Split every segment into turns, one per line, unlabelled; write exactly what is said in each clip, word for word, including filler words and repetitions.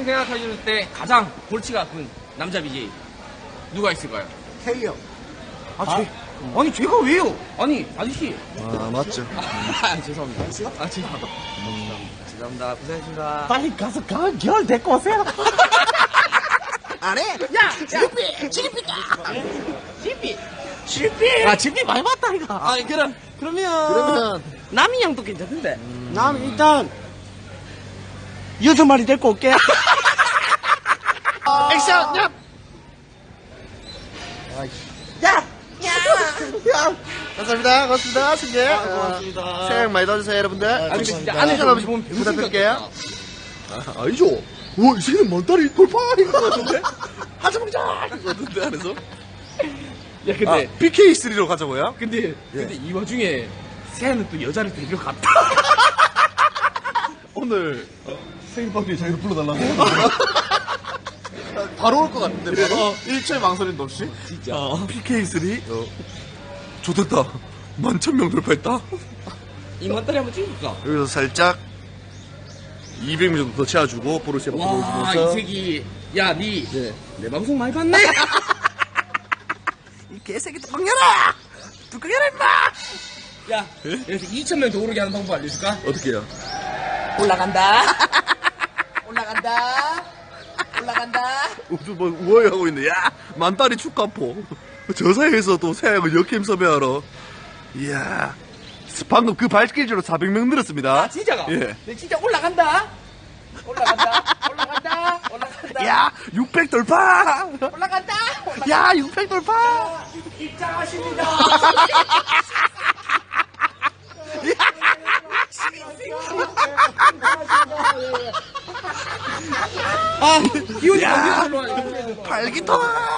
생각하실 때 가장 골치가 아픈 남자 비제이 누가 있을까요?
K요.
아, 제, 아니 제가 왜요? 아니 아저씨.
아, 맞죠.
아, 죄송합니다. 아, 죄송합니다. 죄송합니다. 고생하셨습니다.
빨리 가서 가을 겨울 데리고 오세요.
안 해?
야, 지리삐, 지리삐다. 지리삐, 지리삐. 아, 지리삐 많이 봤다 이거.
아, 그럼 그러면
그러면
남이 형도 괜찮은데.
음. 남 일단 여섯 마리 데리고 올게. 액션, 야. 야, 야.
감사합니다. 고맙습니다. 승재.
아, 고맙습니다.
어, 새해 복 많이 받으세요, 여러분들.
아니, 근데 진짜 안에서
안에서
여러분 보면 배우신 것
부탁드릴게요. 아, 아니죠. 와, 이 새는 먼다리 돌파! 이거 같은데? 하자 먹자! 이거 같은데, 안에서?
야, 근데
아, 피케이 쓰리로 가자고요?
근데 근데 이 와중에 세아는 또 여자를 데리러 갔다.
오늘, 생일 파티에 자기를 불러달라고? 바로 올 것 같은데, 바로? 일 초의 망설임도 없이?
진짜.
피케이 쓰리? 어. 좋됐다. 만천 명 돌파했다.
이만따리 한번 찍어볼까?
여기서 살짝 이백 명 정도 더 채워주고 보르시아 바꿔
와, 이
보여주면서
새끼. 야, 니.
네.
내 방송 많이 봤네?
이 개새끼 뚜껑 열어! 뚜껑 열어 임마!
야, 여기서 이천 명 더 오르게 하는 방법 알려줄까?
어떻게 해요?
올라간다. 올라간다. 올라간다.
뭐 우월하고 있네. 야 만다리 축가포. 저 사이에서 또 새하고 역캠 섭외하러. 이야 방금 그 발길질로 사백 명 늘었습니다.
아, 진짜가?
예.
네, 진짜 올라간다. 올라간다. 올라간다. 올라간다.
야 육백 돌파!
올라간다. 올라간다.
야 육백 돌파!
입장하십니다. 아, 기운이
야,
어디로 와?
발기통!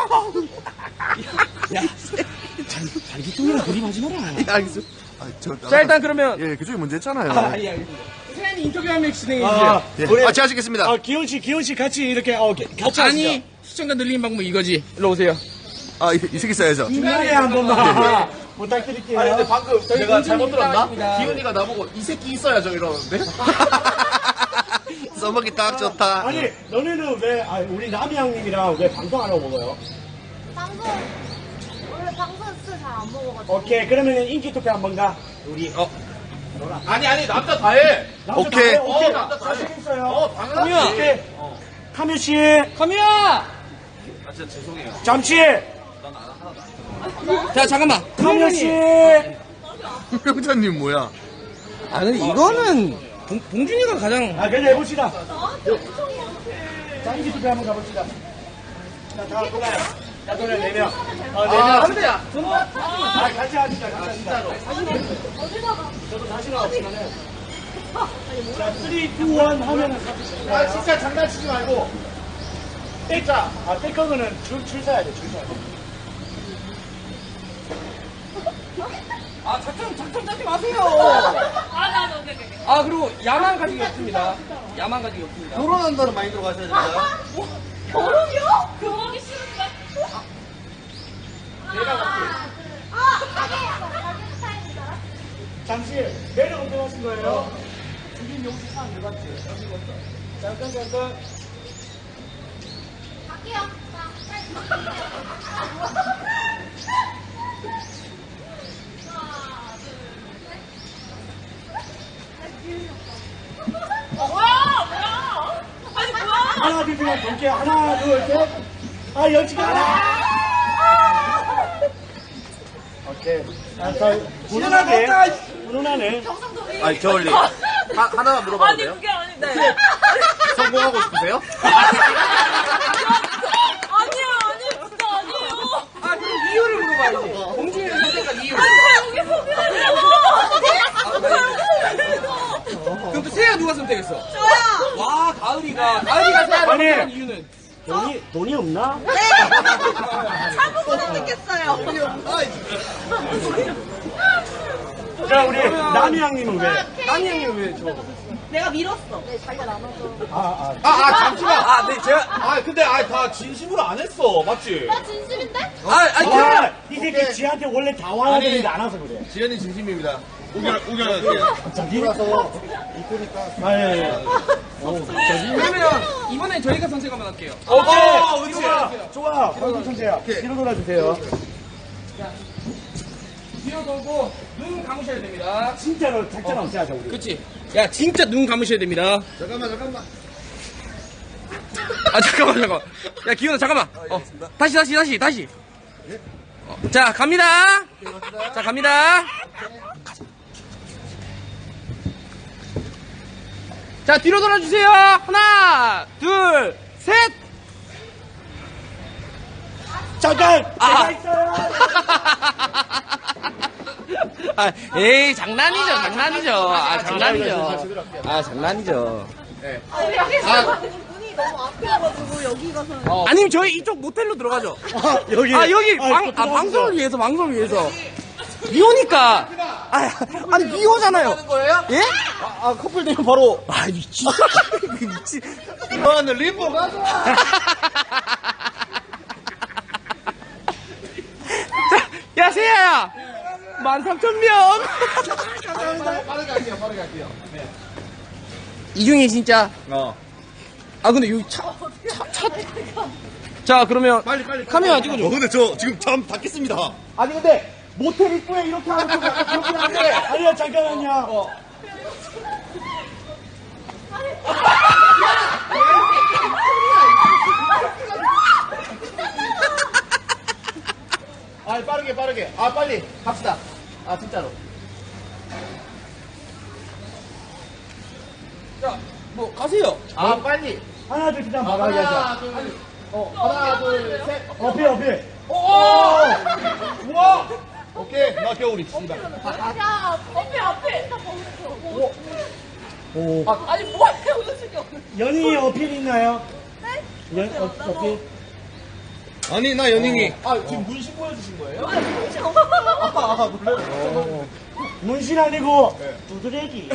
야, 발기통이랑 그림하지 마라.
예, 알겠어. 아, 저,
자, 일단 그러면.
예, 그쪽이 문제 했잖아요.
아, 예, 알겠습니다. 세안이 인터뷰 한 명 진행해
아,
주세요.
예.
우리-
같이 하시겠습니다.
아, 기훈 씨, 기훈 씨 같이 이렇게 어 게- 같이
아니,
하시죠.
시청자 늘리는 방법 이거지. 일로 오세요.
아, 이, 이 새끼 써야죠.
중간에 한 번만 부탁드릴게요.
아니 근데 방금 내가 잘못 들었나?
있습니다.
기훈이가 나보고 이 새끼 있어야죠 이러는데?
써먹기 딱 좋다.
아니, 너네는 왜, 아, 우리 남이 형님이랑 왜 방송 안 하고 먹어요?
방송 원래 방송 잘 안 먹어가지고
오케이, 그러면 인기 투표 한번 가. 우리.
어,
아니 아니 남자 다 해.
남자
오케이.
다 해요? 오케이.
어, 남자 다 해.
자신 있어요.
어 당연하지.
카미야.
오케이. 카뮤 씨,
카미야!
아 진짜 죄송해요.
잠시.
자, 잠깐만.
카뮤 씨.
명자님 뭐야?
아, 근데 이거는 봉, 봉준이가 가장.
아, 그냥 해봅시다. 자, 인기 투표 한번 가봅시다. 자, 다 돌아요. 자, 돌아요, 네 명. 어, 네 명.
아 근데 야.
아, 같이 하시자, 같이 하시자. 저도 자신 없지만은. 자, 삼, 이, 일 하면은.
아 진짜 장난치지 말고.
자, 아, 백허그는 줄, 줄 서야 돼, 줄 서야 돼.
아, 작전, 작전 짜지 마세요.
아 나도 오케이 오케이
아, 그리고 야만 가지기 없습니다. 야만 가지기 없습니다.
결혼한다는 마인드로 가셔야 됩니다.
결혼이요? 결혼하기 싫은데? 아 가게 가게 스타일이다
잠시, 매력 운동하신 거예요? 주민 용시 사항 몇 가지? 잠깐, 잠깐.
갈게요
하나, 둘, 셋, 볼게요. 하나, 둘, 셋. 아, 열지가 않아. 오케이. 아, 자, 훈훈하게. 훈훈하네.
아니 겨울님 하, 하나만 물어봐도
아니
돼요?
그게 아닌데
성공하고 싶으세요?
아니요 아니요 진짜 아니에요
아, 그럼 이유를 물어봐야지. 봉준이를 선택한 이유.
여기 소개해요
그럼 또 세아 누가 선택했어?
저요
와, 가을이가. 가을이가 세아를
아니.
선택한 이유는?
돈이, 돈이 없나?
사고 선택했어요
자, 우리 남이 형님은 왜?
딴 형이 왜 저?
내가 밀었어 네 자기가 남아서
아, 아.
아, 아 잠시만. 아, 네 제가 아 근데 아 다 진심으로 안 했어, 맞지?
나 진심인데?
아, 아니,
아, 이 새끼 지한테 원래 다 와야 되는데 안 와서 그래.
지현이 진심입니다. 우결, 우결할게요.
저기? 아, 예, 예.
그러면 이번에 저희가 선택 한번 할게요.
오케이. 좋아. 좋아. 방금 천재야. 뒤로 돌아주세요.
뒤로 돌고 눈 감으셔야 됩니다.
진짜로 작전 없이 하자 우리.
그치? 야, 진짜 눈 감으셔야 됩니다.
잠깐만, 잠깐만.
아, 잠깐만, 잠깐만. 야, 기훈아, 잠깐만. 어, 다시, 다시, 다시, 다시. 어, 자, 갑니다. 자, 갑니다. 자, 뒤로 돌아주세요. 하나, 둘, 셋.
잠깐.
아.
제가 있어요.
아, 에이, 장난이죠, 장난이죠. 아, 장난이죠. 아, 장난이죠.
아, 문이 너무 앞이어가지고 여기 가서.
어. 아니면 저희 이쪽 모텔로 들어가죠.
아, 여기.
아, 여기
아,
방, 아, 방송을 위해서, 방송을 위해서. 미호니까. 아, 아니, 미호잖아요. 예?
아, 커플 되면 바로.
아, 미친. 미친.
너는 림보 가자.
야, 세야야. 만 삼천 명.
빠르게 할게요, 빠르게 할게요.
이중에 진짜.
어.
아, 근데 여기 차, 차, 차. 자, 그러면.
빨리, 빨리.
카메라 찍어줘.
어, 근데 저 지금 잠 닫겠습니다.
아니 근데 모텔 입구에 이렇게 하는 거 약간 그렇긴 한데. 아니요 잠깐만요. 어.
아, 빠르게, 빠르게. 아, 빨리. 갑시다. 아, 진짜로.
자, 뭐, 가세요.
아, 빨리.
하나 둘 셋 한번 말하게 하자.
하나, 둘, 어, 하나, 둘, 셋.
어필 어필.
오! 우와! 오케이. 나 겨울이. 씨발.
야, 앞에, 앞에. 나 보고
오.
있어. 아니, 뭐하냐, 웃으시기 없는.
연희 어필 있나요?
네?
연 어, 어필.
아니, 나 연인이.
아, 지금 문신 보여주신 거예요?
아니, 뭐죠?
아, 놀래요.
문신 아니고 두드레기.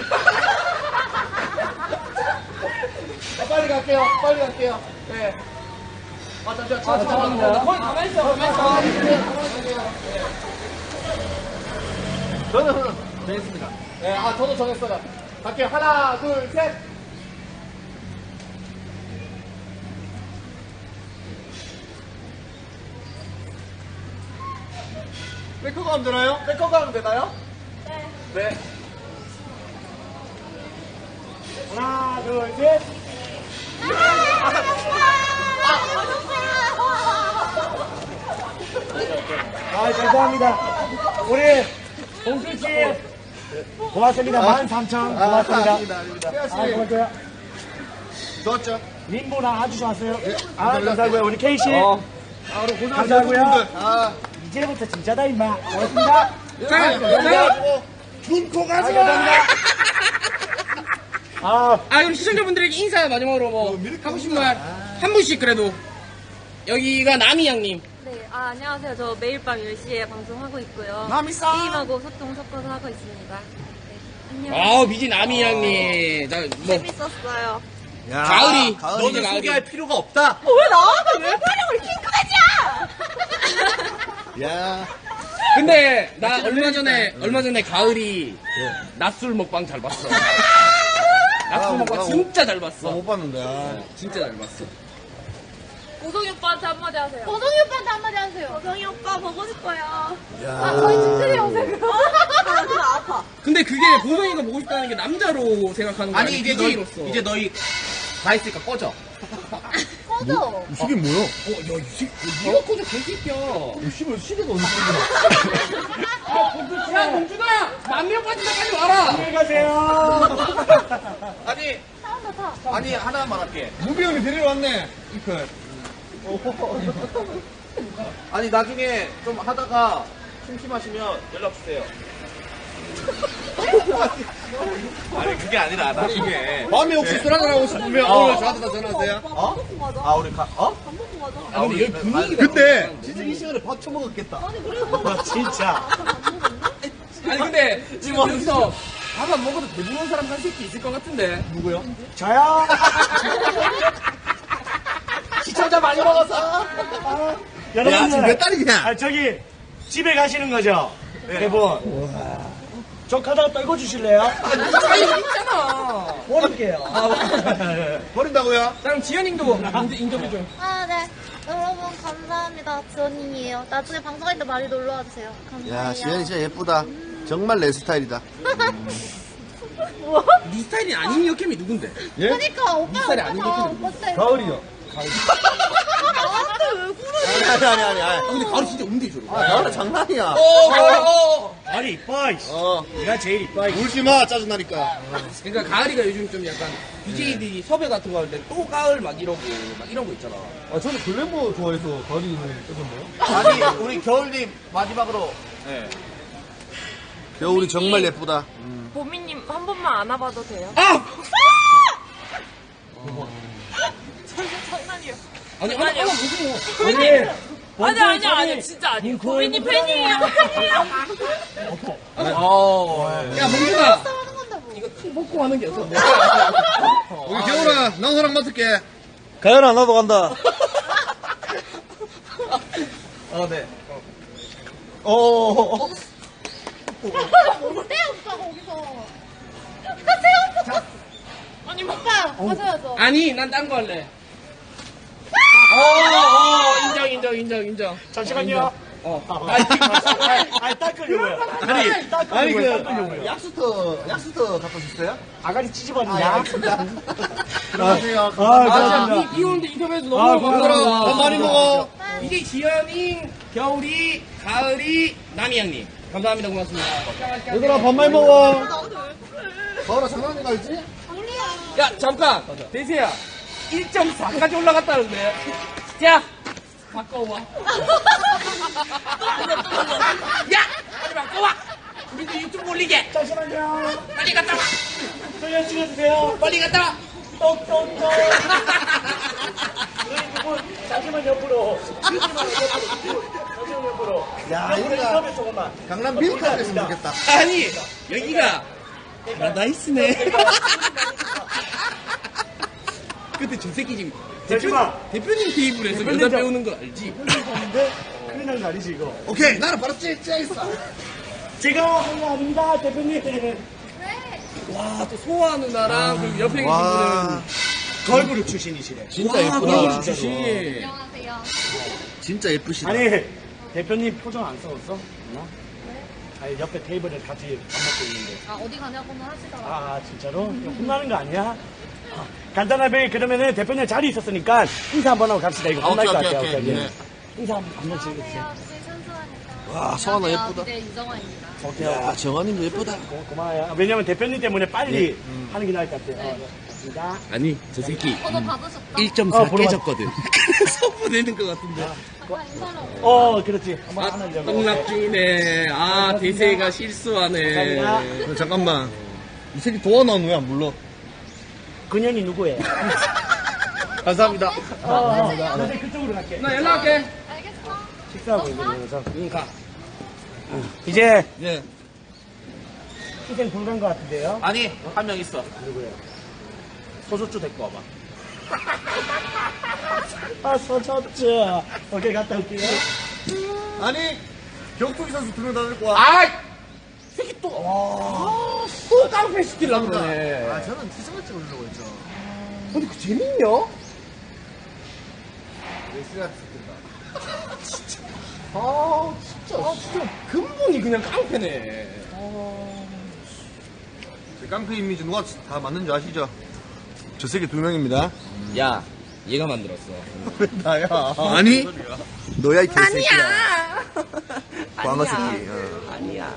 아, 빨리 갈게요. 빨리 갈게요. 네. 아, 잠시만. 아,
죄송합니다.
거기 가만히 있어, 가만히 있어.
저는 정했습니다. 네, 아, 저도 정했어요. 갈게요. 하나, 둘, 셋. 백허가 하면 되나요? 백허가 하면 되나요?
네.
네.
하나 둘 셋. 아 죄송합니다. 우리 봉수 씨 고맙습니다. 만 삼천 고맙습니다.
아닙니다, 아닙니다.
아 고맙고요.
좋았죠?
림보나 아주 좋았어요. 아 감사하고요. 우리 케이 씨
아, 우리 고생하셨어요,
감사하고요.
분들. 아,
이제부터 진짜다 임마. 고맙습니다.
자, 자.
눈코 가지 마. 아
아, 그럼 시청자분들에게 인사 마지막으로 뭐, 하고 싶은 말, 한 분씩 그래도. 여기가 남이양님.
네, 아, 안녕하세요. 저 매일 밤 열 시에 방송하고 있고요.
남이싸.
게임하고 소통 섞어서 하고 있습니다. 네, 안녕.
아우, 미진 남이양님. 자, 뭐,
재밌었어요.
야,
가을이.
가을이.
너는
너는
가을이.
소개할 필요가 없다.
어, 왜 나한테 왜 촬영을 킹크까지야?
야.
근데, 나 얼마 전에, 얼마 전에 가을이 낮술 먹방 잘 봤어. 낮술
아,
먹방
나
진짜 잘
나
봤어.
못 봤는데. 아.
진짜 잘 봤어.
보성이 오빠한테 한마디 하세요. 보성이 오빠한테 한마디 하세요. 보성이 오빠 보고 싶어요. 아, 저희 집들이 오세요. 아, 나 아파.
근데 그게 보성이가 보고 싶다는 게 남자로 생각하는 거야.
아니, 이제 너희,
비제이로서.
이제 너희 다 했으니까 꺼져.
꺼져.
이 시계 뭐야?
어, 야, 이 새, 니가 꺼져, 개새끼야.
씨발, 시계가 어디 있는 거야?
야, 공주다! 만 명 빠진다, 빨리 와라!
안녕히 가세요.
아니,
타온다, 타.
아니, 하나만 할게.
무비 형이 데리러 왔네. 이클.
아니, 나중에 좀 하다가 심심하시면 연락주세요. 아니, 그게 아니라, 나중에.
밤에 혹시 술 한잔 하고 싶으면
어.
오늘 저한테 다 전화하세요.
어?
밥 먹고 가자.
아, 우리 가, 어?
밥 먹고 가자.
아, 근데 여기 분위기가.
근데 진짜 이 시간에 밥 처먹었겠다.
아니, 그래도.
진짜.
아니, 근데 지금 여기서 밥 안 먹어도 배부른 사람 한 새끼 있을 것 같은데.
누구요?
저요.
시청자 많이 먹었어.
아,
야,
여러분들.
지금 몇 달이냐?
아, 저기, 집에 가시는 거죠? 네 분. 저 카드가 떨궈 주실래요?
아, 여기 있잖아.
버릴게요.
버린다고요?
자, 그럼 지현님도 인터- 인터뷰 좀.
아, 네. 여러분, 감사합니다. 지원님이에요. 나중에 방송할 때 많이 놀러 와주세요. 감사해요.
야, 지현이 진짜 예쁘다. 정말 내 스타일이다.
뭐?
네 스타일이 아닌 여캠이 누군데?
예?
그니까, 오빠,
스타일이
오빠
아닌
다
느낌이
오빠 스타일.
가을이요.
나한테 왜 그래?
아니, 아니, 아니, 아니.
아, 근데 가을 진짜 운대 저러.
아, 가을은 장난이야.
어, 가을, 어.
아니, 이뻐, 이씨.
어.
내가 제일 이뻐, 이씨.
울지 마, 짜증나니까.
그러니까 가을이가 요즘 좀 약간 비제이들이 섭외 같은 거 할 때 또 가을 막 이러고 막 이런 거 있잖아.
아, 저는 글래머 좋아해서 가을이는 뜨던데요?
아니, 우리 겨울님 마지막으로.
겨울이 정말 예쁘다.
보미님 한 번만 안아봐도 돼요?
아!
장난이에요.
아니, 아니, 아니, 무슨
보미님! 아니, 아니, 아니, 진짜 아니에요. 보미님 팬이에요, 팬이에요.
어. 야, 몽준아.
하는 건데, 뭐.
이거 툭 먹고 하는 게 없어.
우리 겨울아, 나 너랑 맡을게.
가연아, 나도 간다.
어, 네.
어.
뭔데, 오빠, 거기서. 하세요, 오빠.
아니, 뭐.
오빠, 하셔야죠.
아니, 난 딴 거 할래. 어, 어, 인정, 인정, 인정, 인정.
잠시만요.
어.
아니, 아니, 닦으려고요.
아니,
닦으려고요.
아니, 그,
닦으려고요.
약수터, 약수터 갖다 주세요?
아가리 찢어버리냐?
아, 알겠습니다. 들어가세요.
아,
아,
감사합니다.
비, 비 오는데 인터뷰해서 너무
아,
고맙더라.
밥 많이 먹어.
이제 지연이, 겨울이, 가을이, 남이 형님. 감사합니다. 고맙습니다.
얘들아, 밥 많이 먹어. 가을아, 장난인 거 알지?
야, 잠깐. 대세야. 일 점 사까지 올라갔다는데. 자, 바꿔와. 야! 빨리 바꿔와! 우리도 유튜브 올리게!
잠시만요.
빨리 갔다 와!
소연 찍어주세요.
빨리 갔다 와!
똑똑똑. 우리 두분 잠시만 옆으로. 잠시만 옆으로. 잠시만 옆으로.
야,
우리
여기가
인터뷰 조금만.
강남 밀크가 됐으면 좋겠다.
아니, 여기가 파라다이스네. 근데 저 새끼 지금
잠시만.
대표님 테이블에서
대표님
여자
저-
배우는 거 알지?
근데 큰일 난거 아니지 이거.
오케이, 나는 바로 찌, 찌겠어.
제가 한 거 아닙니다 대표님.
와, 또 소아 누나랑 그리고 옆에 계신
와.
분은
걸그룹 출신이시래.
진짜
와,
예쁘다.
그걸 주시.
안녕하세요.
진짜 예쁘시다.
아니 대표님 표정 안 써웠어? 어? 아니 옆에 테이블에 같이 밥 먹고 있는데.
아, 어디 가냐고는 하시더라고요.
아 진짜로? 이거 혼나는 거 아니야? 아, 간단하게 그러면은 대표님 자리 있었으니까 인사 한번 하고 갑시다. 이거
아,
혼날
오케이,
것
오케이,
같아요.
오케이.
오케이.
네.
인사 한 번씩 해주세요.
안녕하세요. 네, 천수환입니다.
와, 서하나
안녕하세요.
예쁘다.
네, 이정환입니다.
오케이.
야, 정환이도 예쁘다.
고, 고마워요. 왜냐면 대표님 때문에 빨리 하는 게 나을 것 같아요. 어, 맞습니다.
아니, 저 새끼
저도 받으셨다.
일 점 사
어, 보러
깨졌거든. 그래서 보내는 것 같은데.
잠깐 인사를 하고.
어, 그렇지. 한번
아,
하려고.
똥납중이네. 아, 대세가 실수하네.
감사합니다.
어, 잠깐만. 이 새끼 도와나는 왜 안 불러?
그년이 누구예요?
감사합니다.
어, 어, 나 이제 그쪽으로 갈게.
나 연락할게.
알겠어.
식사하고 있는 거라서.
응, 가.
이제
예.
희생 불가인 것 같은데요?
아니, 한 명 있어.
누구예요?
소주주 데리고 와봐.
아, 서졌죠. 오케이, 갔다 올게요.
아니, 격투기 선수 두 명 다 데리고 와.
아이! 새끼 또, 와. 또 깡패 시키려고 그러네.
아, 저는 티셔츠 찍으려고 했죠.
근데 그 재밌냐?
웨스가 찍힌다.
아, 진짜, 아, 진짜, 근본이 그냥 깡패네.
제 깡패 이미지 누가 다 맞는 줄 아시죠? 저 새끼 두 명입니다.
야, 얘가 만들었어.
왜 나야? 아니, 너야 이 개새끼야. 광어 새끼. 어.
아니야.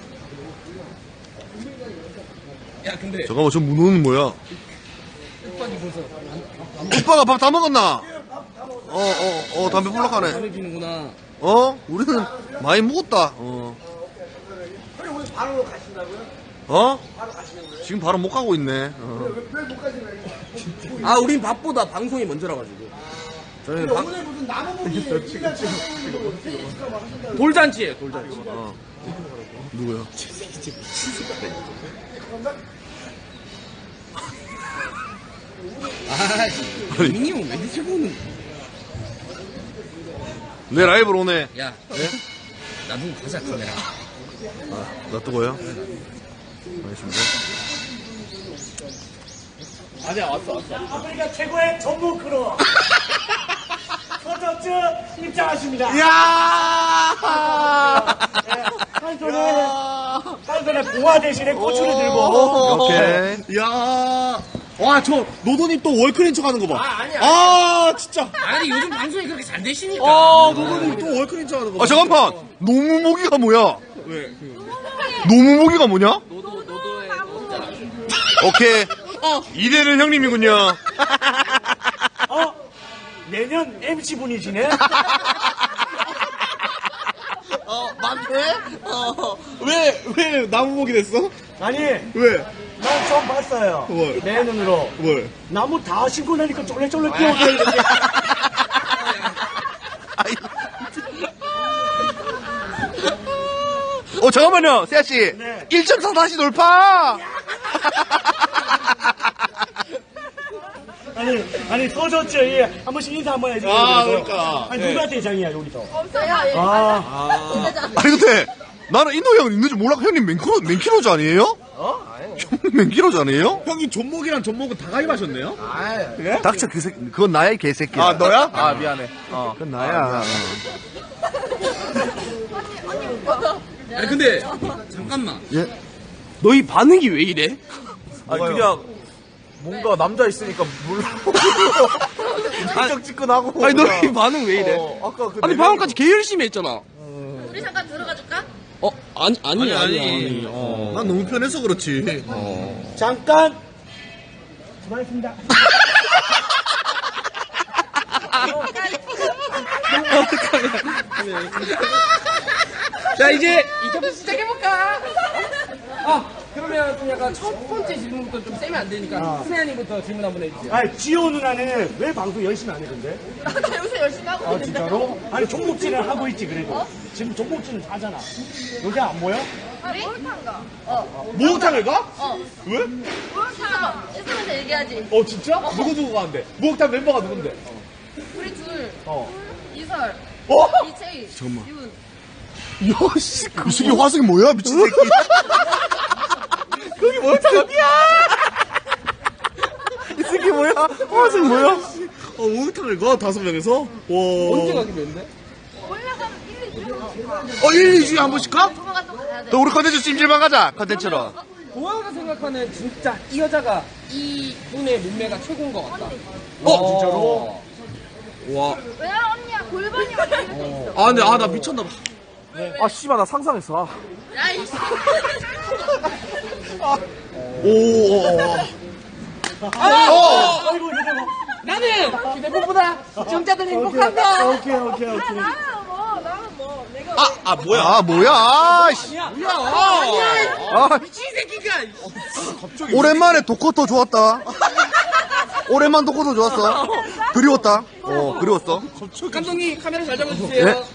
야, 근데.
잠깐만, 저 문호는 뭐야?
오빠니 벌써
오빠가 밥 다 먹었나? 어, 어, 어, 담배 불러 가네.
담배 피는구나.
어? 우리는 많이 먹었다. 어. 어? 지금 바로 못 가고 있네. 어.
아, 우린 밥보다 방송이 먼저라 가지고. 저는 방...
무슨 나무무기
돌잔치에 돌잔치.
어. 누구야?
아, 민이 형 왜 이렇게 보는?
내 라이브로 오네.
야, 나중에 가자 카메라.
아, 놔두고요. 알겠습니다.
아니야, 왔어, 왔어.
아프리카 최고의 전문 크루. 서저츠 입장하십니다.
이야!
한 손에, 한 손에 봉화 대신에 고추를 들고.
오케이.
이야. 와, 저, 노도님 또 월클인 척 하는 거 봐.
아, 아니야.
아, 진짜.
아니, 요즘 방송이 그렇게 잘 되시니까.
아, 노도님 또 월클인 척 하는 거 봐.
아, 잠깐만. 노무모기가 뭐야?
왜?
노무모기가 뭐냐?
노도, 노도의 노잖아.
오케이. 이대는 형님이군요.
어? 내년 엠씨 분이시네?
어, 맞네? 어, 왜, 왜 나무목이 됐어?
아니,
왜?
난 처음 봤어요.
뭘?
내 눈으로.
뭘?
나무 다 심고 나니까 쫄래쫄래 뛰어가는데.
어, 잠깐만요, 세아씨.
네.
일 점 사 다시 돌파!
아니, 아니, 서저츠 한 번씩 인사 한번 해주세요.
아,
그래도.
그러니까.
아니,
네.
누가 대장이야, 여기서?
없어요.
아,
아니, 근데, 나는 인도 형 있는 줄 몰라. 형님 맨키로, 맨키로즈 아니에요? 어? 형님 맨키로즈 아니에요?
형이 존목이랑 존목은 다 가입하셨네요?
닥쳐, 그 새끼. 그건 나야, 이 개새끼야.
아, 너야?
아, 미안해. 어.
그건 나야.
아니, 근데, 잠깐만.
예?
너희 반응이 왜 이래?
아니, 그냥, 뭔가 남자 있으니까 몰라. 찌끈찌끈하고.
아니, 너희 반응 왜 이래?
어, 아까 그.
아니, 방금까지 개 열심히 했잖아.
우리 잠깐 들어가 줄까?
어, 아니, 아니, 아니. 아니.
어.
난 너무 편해서 그렇지.
잠깐. 수고하셨습니다.
자, 이제 인터뷰 시작해볼까? 아, 그러면 좀 약간 첫 번째 질문부터 좀 세면 안 되니까 수혜아님부터 질문 한번 해주세요.
아니, 지호 누나는 왜 방송 열심히 안 해, 근데?
나 요새 열심히 하고
아,
있는데.
진짜로? 아니, 종목질을 하고 있지, 그래도. 지금 종목질은 하잖아. 여기 안 모여?
아, 목욕탕가. 어.
목욕탕을 가?
어.
왜?
목욕탕. 있으면서 얘기하지.
어, 진짜? 누구 누구 가는데? 목욕탕 멤버가 누군데?
우리 둘.
어.
이설.
어?
이채희.
잠깐만.
윤.
야, 씨. 그 새끼 화석이 뭐야, 미친 새끼.
거기 목욕탕 어디야?
이 새끼 뭐야? 화석이 뭐야?
어, 목욕탕을 가? 다섯 명에서? 와.
언제 가기로 했는데?
올라가면 일, 이 주에
어, 일, 이 주에 한 번씩 가?
조만간 또 가야 돼.
또 우리 컨텐츠 찜질방 가자, 컨텐츠로.
보아가 생각하는 진짜 이 여자가 이 분의 몸매가 최고인 것 같다.
어, 진짜로?
와.
왜냐면 언니야 골반이 완전 이렇게 있어.
아, 근데, 아, 나 미쳤나봐.
아, 씨발, 나 상상했어.
야, 이씨.
오, 오, 오.
어! 아이고, 휴대폰.
나는 휴대폰보다 시청자들 행복한다.
오케이, 오케이, 오케이.
나는 뭐, 나는 뭐, 내가.
아, 아, 뭐야?
아, 뭐야. 씨.
뭐야?
아,
미친 새끼가.
오랜만에 도코터 좋았다. 오랜만 도코터 좋았어. 그리웠다. 어, 그리웠어.
감독님 카메라 잘 잡아주세요.
네?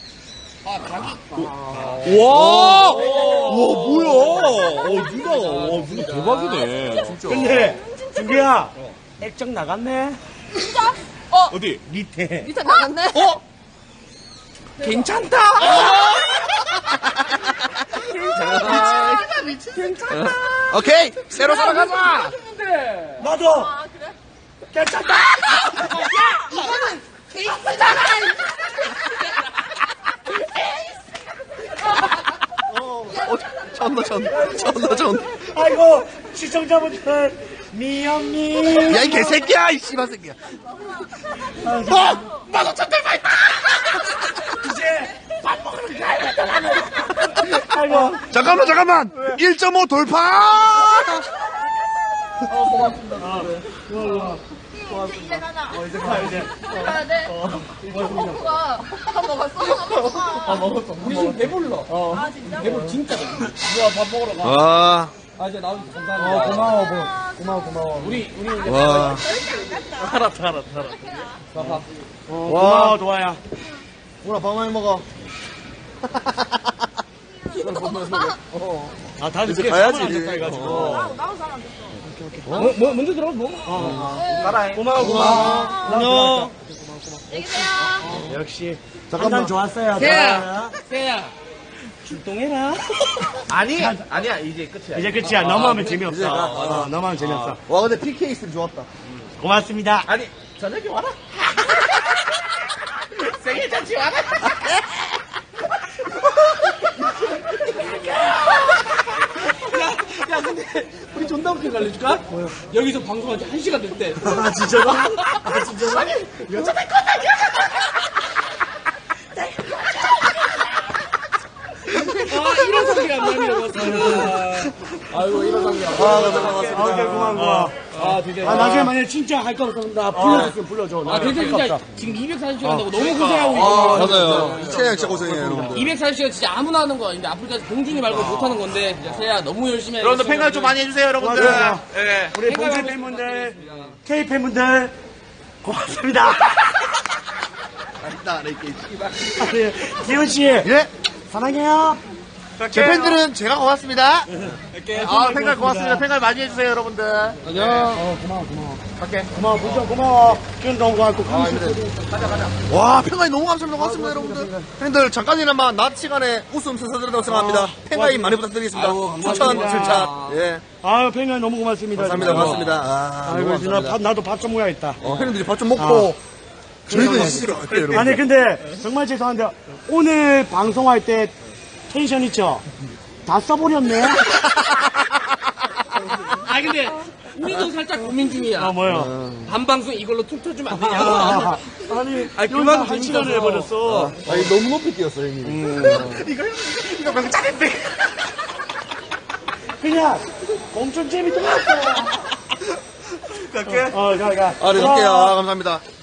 와! 와, 뭐야? 어, 누나, 와, 누나 대박이네. 진짜.
근데, 준규야, 액정 나갔네?
진짜?
어디?
밑에.
밑에 나갔네?
어?
괜찮다.
진짜 미친 괜찮다.
오케이. 새로 살아가자.
나도!
아, 그래?
괜찮다!
어, 전다, 전다, 전다, 전다.
아이고, 시청자분들, 미영님.
야, 이 개새끼야, 이 씨발 새끼야.
어! 만오천대 파이터! 이제, 밥 먹으러 가야겠다, 나는. 아이고.
잠깐만, 잠깐만. 일 점 오 돌파!
이제 가자.
어, 이제 가, 이제.
가야 돼. 호프가 밥 먹었어? 밥 먹었어.
우리 지금 배불러.
아, 진짜?
배불러 진짜 배불러.
아,
아, 이제 나와주셔서
어,
감사합니다.
고마워, 고마워, 고마워, 고마워.
우리 우리 이제
와.
알았다, 알았다, 알았다.
봐봐.
어, 고마워, 도아야.
뭐라, 밥 많이 먹어.
아, 다들
이제
이렇게
가야지,
가야지.
이제.
해가지고.
어.
나도 잘안 됐어.
뭐, 뭐 먼저 들어 뭐?
고마워, 고마워. 안녕.
안녕히 계세요.
역시.
잠깐만.
한잔 좋았어요.
세야.
도아야.
세야.
출동해라.
아니, 아니야, 이제 끝이야.
이제 끝이야. 너무하면 재미없어.
이제 가.
어, 너무하면 재미없어.
와, 근데 피케이 있으면 좋았다.
고맙습니다.
아니, 저녁에 와라. 생일 잔치 와라.
야, 근데 우리 존나 웃긴 거 알려줄까? 여기서 방송한 지 한 시간 됐대.
아, 진짜로? 아, 진짜로?
아, 이런 소리가 안 나네요, 아이고, 이런 소리가 안
아, 네, 반갑습니다.
아, 오케이, 고마운 거.
아, 드디어.
아, 나중에 만약에 진짜 할 거 없으면 나 불러줬으면 불러줘.
아, 근데
할거
진짜
없어.
지금 이백사십 시간 한다고 너무 고생하고
아,
있어.
맞아요. 이채양 진짜 고생해요, 여러분들.
이백사십 시간 진짜 아무나 하는 거 아닌데 아프리카에서 봉준이 말고 못 하는 건데 진짜 세야 너무 열심히 해.
여러분들 팬가입 좀 많이 해주세요, 여러분들.
맞아요.
예.
우리 봉준 팬분들, K 팬분들, 고맙습니다.
나, 이렇게.
아니, 기훈 씨,
예?
사랑해요.
제 팬들은 제가 고맙습니다.
아, 팬가입 고맙습니다. 팬가입 많이 해주세요, 여러분들.
어, 고마워, 고마워. 갈게. 고마워, 봉준 고마워. 기훈 너무 고맙고,
아,
큰
와, 팬가입 너무 감사합니다. 고맙습니다, 여러분들. 팬들, 잠깐이나마 낮 시간에 웃음 스쳐드린다고 생각합니다. 팬가입 많이 부탁드리겠습니다. 추천, 실천. 예.
아유, 팬들 너무 고맙습니다.
감사합니다,
진짜.
고맙습니다. 아,
아이고,
너무
진짜
감사합니다.
밥, 나도 밥 좀 먹어야겠다.
어, 팬들이 밥 좀 먹고, 저희도 스스로 할게요, 여러분.
아니, 근데, 정말 죄송한데, 오늘 방송할 때 텐션 있죠? 다 써버렸네?
아, 근데 우리도 살짝 고민 중이야.
아, 뭐요?
반방송 이걸로 툭 쳐주면 안 되냐?
아, 아니,
아니,
그만
그만
한 시간을 해버렸어.
아니, 너무 높이 뛰었어, 형님.
그냥, 엄청 재밌던 것 같아.
갈게.
어, 가, 가.
아, 네, 갈게요. 아, 감사합니다.